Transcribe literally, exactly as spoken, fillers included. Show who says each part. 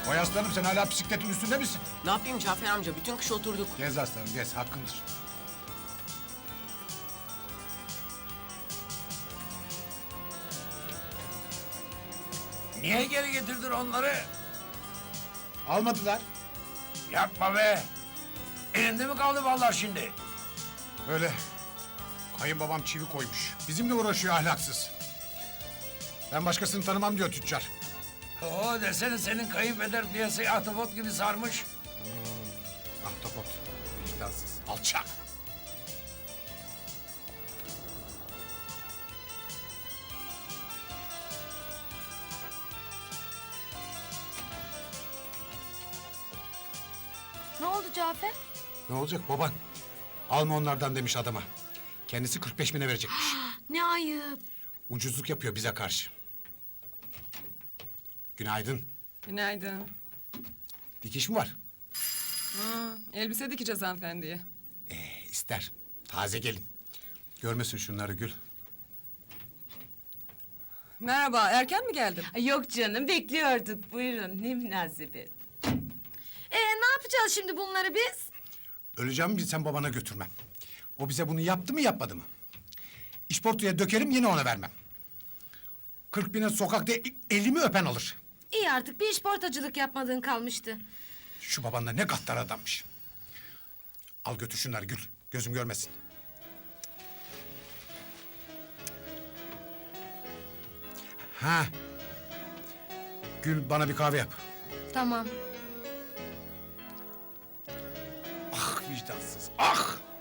Speaker 1: Vay aslanım, sen hala bisikletin üstünde misin?
Speaker 2: Ne yapayım Cafer amca? Bütün kış oturduk.
Speaker 1: Gez aslanım, gez. Hakkındır.
Speaker 3: Niye geri getirdin onları?
Speaker 1: Almadılar.
Speaker 3: Yapma be! Elinde mi kaldı vallahi şimdi?
Speaker 1: Öyle. Kayınbabam çivi koymuş. Bizimle uğraşıyor ahlaksız. Ben başkasını tanımam diyor tüccar.
Speaker 3: Oo desene senin kayınpeder piyasayı ahtapot gibi sarmış.
Speaker 1: Ahtapot. Vicdansız. Alçak.
Speaker 4: Ne oldu Cafer?
Speaker 1: Ne olacak baban? Alma onlardan demiş adama. Kendisi kırk beş bine verecekmiş.
Speaker 4: Ne ayıp.
Speaker 1: Ucuzluk yapıyor bize karşı. Günaydın.
Speaker 5: Günaydın.
Speaker 1: Dikiş mi var?
Speaker 5: Hı, elbise dikeceğiz hanımefendiye.
Speaker 1: Ee, ister. Taze gelin. Görmesin şunları Gül.
Speaker 5: Merhaba, erken mi geldim?
Speaker 6: Yok canım bekliyorduk. Buyurun ne münasebet.
Speaker 4: Ee, ne yapacağız şimdi bunları biz?
Speaker 1: Öleceğimi bilsem babana götürmem. O bize bunu yaptı mı yapmadı mı? İşportuya dökerim yine ona vermem. Kırk bine sokakta elimi öpen alır.
Speaker 4: İyi artık bir işportacılık yapmadığın kalmıştı.
Speaker 1: Şu baban da ne gaddar adammış. Al götür şunları Gül. Gözüm görmesin. Ha. Gül bana bir kahve yap.
Speaker 4: Tamam.
Speaker 1: Ah vicdansız. Ah.